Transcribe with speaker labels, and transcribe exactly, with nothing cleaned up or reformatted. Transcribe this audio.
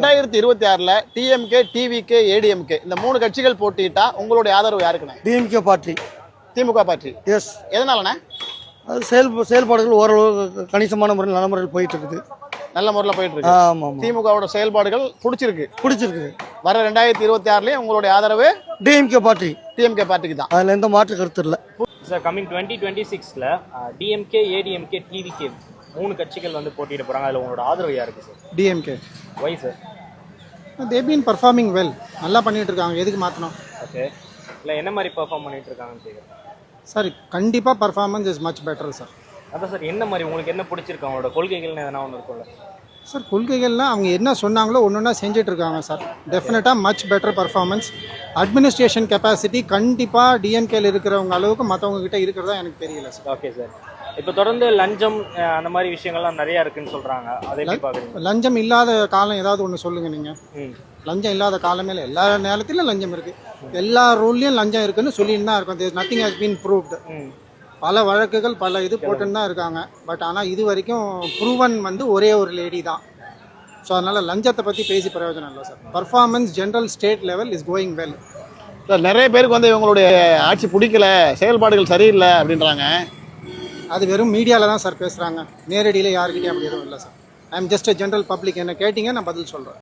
Speaker 1: ரெண்டாயிரத்தி இருபத்தி ஆறுல டிஎம்கே, டிவிகே, ஏடிஎம்கே இந்த மூணு கட்சிகள் போட்டிட்டா உங்களுடைய ஆதரவு யாருக்குண்ணே?
Speaker 2: DMK party.
Speaker 1: திமுக பார்ட்டி.
Speaker 2: எஸ்.
Speaker 1: எதனாலண்ணே?
Speaker 2: அது செயல் செயல்பாடுகள் ஓரளவு கணிசமான முறையில் நல்ல முறையில் போயிட்டு இருக்குது.
Speaker 1: நல்ல முறையில் போயிட்டு இருக்கு.
Speaker 2: ஆமாம்.
Speaker 1: திமுகவோட செயல்பாடுகள் பிடிச்சிருக்கு.
Speaker 2: பிடிச்சிருக்கு.
Speaker 1: வர ரெண்டாயிரத்தி இருபத்தி ஆறுலயும் உங்களுடைய ஆதரவு
Speaker 2: டிஎம்கே பார்ட்டி.
Speaker 1: டிஎம்கே பார்ட்டிக்கு தான்.
Speaker 2: அதில் எந்த மாற்று கருத்து இல்லை.
Speaker 3: சார் கம்மிங் டுவெண்ட்டி டுவெண்ட்டி சிக்ஸில் டிஎம்கே, ஏடிஎம்கே, டிவிகே மூணு கட்சிகள் வந்து போட்டியிட போகிறாங்க. அதில் உங்களோட ஆதரவு யாருக்கு sir?
Speaker 4: DMK.
Speaker 3: Why sir?
Speaker 4: They been performing well. நல்லா பண்ணிட்டு இருக்காங்க. எதுக்கு மாற்றணும்?
Speaker 3: ஓகே. இல்லை என்ன மாதிரி பர்ஃபார்ம் பண்ணிட்டு இருக்காங்கன்னு கேட்குறேன்
Speaker 4: சார். கண்டிப்பாக performance is much better sir.
Speaker 3: அதான் சார், என்ன மாதிரி உங்களுக்கு என்ன பிடிச்சிருக்கு? அவங்களோட கொள்கைகள்னு எதனா ஒன்று இருக்கும்ல
Speaker 4: சார்? கொள்கைகள்லாம் அவங்க என்ன சொன்னாங்களோ ஒன்று ஒன்றா செஞ்சுட்டு இருக்காங்க சார். டெஃபினட்டாக much better performance. Administration capacity கண்டிப்பாக டிஎம்கேல இருக்கிறவங்க அளவுக்கு மற்றவங்க கிட்ட இருக்கிறதா எனக்கு தெரியல சார்.
Speaker 3: Okay sir. இப்போ தொடர்ந்து லஞ்சம் அந்த மாதிரி விஷயங்கள்லாம் நிறையா இருக்குன்னு சொல்கிறாங்க. அதை எப்படி பார்க்குறீங்க?
Speaker 4: லஞ்சம் இல்லாத காலம் ஏதாவது ஒன்று சொல்லுங்கள் நீங்கள்.
Speaker 3: ம்
Speaker 4: லஞ்சம் இல்லாத காலமே இல்லை. எல்லா நேரத்திலும் லஞ்சம் இருக்குது. எல்லா ரூல்லையும் லஞ்சம் இருக்குன்னு சொல்லிட்டு தான் இருக்கும். There nothing has been proved. பல வழக்குகள் பல இது போட்டுன்னு தான் இருக்காங்க. பட் ஆனால் இது வரைக்கும் ப்ரூவன் வந்து ஒரே ஒரு லேடி தான். ஸோ அதனால் லஞ்சத்தை பற்றி பேசி பிரயோஜனம் இல்லை sir. Performance general state level is going well
Speaker 1: sir. நிறைய பேருக்கு வந்து இவங்களுடைய ஆட்சி பிடிக்கல, செயல்பாடுகள் சரியில்லை அப்படின்றாங்க.
Speaker 4: அது வெறும் மீடியாவில் தான் சார் பேசுகிறாங்க. நேரடியில் யாருக்கிட்டே அப்படி எதுவும் இல்லை sir. I am just a general public. என்ன கேட்டிங்க, நான் பதில் சொல்கிறேன்.